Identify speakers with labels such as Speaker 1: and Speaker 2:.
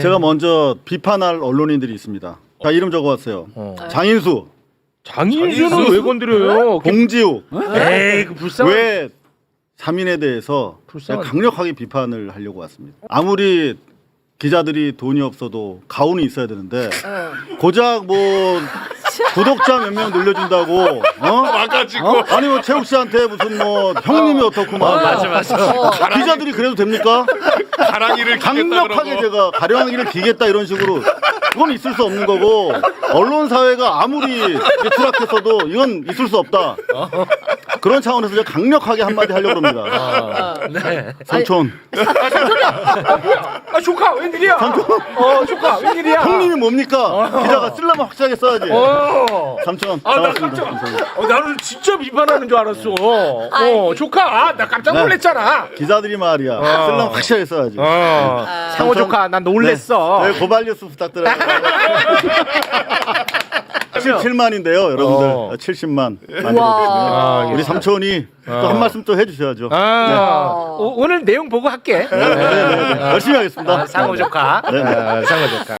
Speaker 1: 제가 먼저 비판할 언론인들이 있습니다. 자, 이름 적어왔어요. 장인수,
Speaker 2: 장인수는 왜 건드려요?
Speaker 1: 봉지욱.
Speaker 2: 에이, 그 불쌍한.
Speaker 1: 왜 3인에 대해서
Speaker 2: 불쌍한.
Speaker 1: 강력하게 비판을 하려고 왔습니다. 아무리 기자들이 돈이 없어도 가훈이 있어야 되는데 고작 뭐 구독자 몇 명 늘려준다고 아니 뭐 최욱 씨한테 무슨 뭐 형님이 어떻고 막
Speaker 2: 맞아.
Speaker 1: 기자들이 그래도 됩니까?
Speaker 3: 가랑이를
Speaker 1: 강력하게 제가 가랑이를 기겠다 이런 식으로 그건 있을 수 없는 거고 언론 사회가 아무리 추락했어도 이건 있을 수 없다. 그런 차원에서 제가 강력하게 한마디 하려고 합니다.
Speaker 2: 네.
Speaker 1: 삼촌.
Speaker 2: 아, 조카 웬일이야? 조카 웬일이야?
Speaker 1: 형님이 뭡니까? 기자가 쓰려면 확실하게 써야지. 삼촌.
Speaker 2: 아, 나
Speaker 1: 반갑습니다.
Speaker 2: 깜짝. 나는 진짜 비판하는 줄 알았어. 조카, 나 깜짝
Speaker 1: 네.
Speaker 2: 놀랐잖아.
Speaker 1: 기자들이 말이야. 쓰려면 확실하게 써야지.
Speaker 2: 상호 조카, 난 놀랬어.
Speaker 1: 네, 고발 뉴스 부탁드려요. 7만인데요, 여러분들. 70만 만들어주시면 우리 삼촌이 또 한 말씀 또 해주셔야죠.
Speaker 2: 오늘 내용 보고 할게.
Speaker 1: 네. 열심히 하겠습니다.
Speaker 2: 상호 조카.
Speaker 1: 네.
Speaker 2: 상호 조카.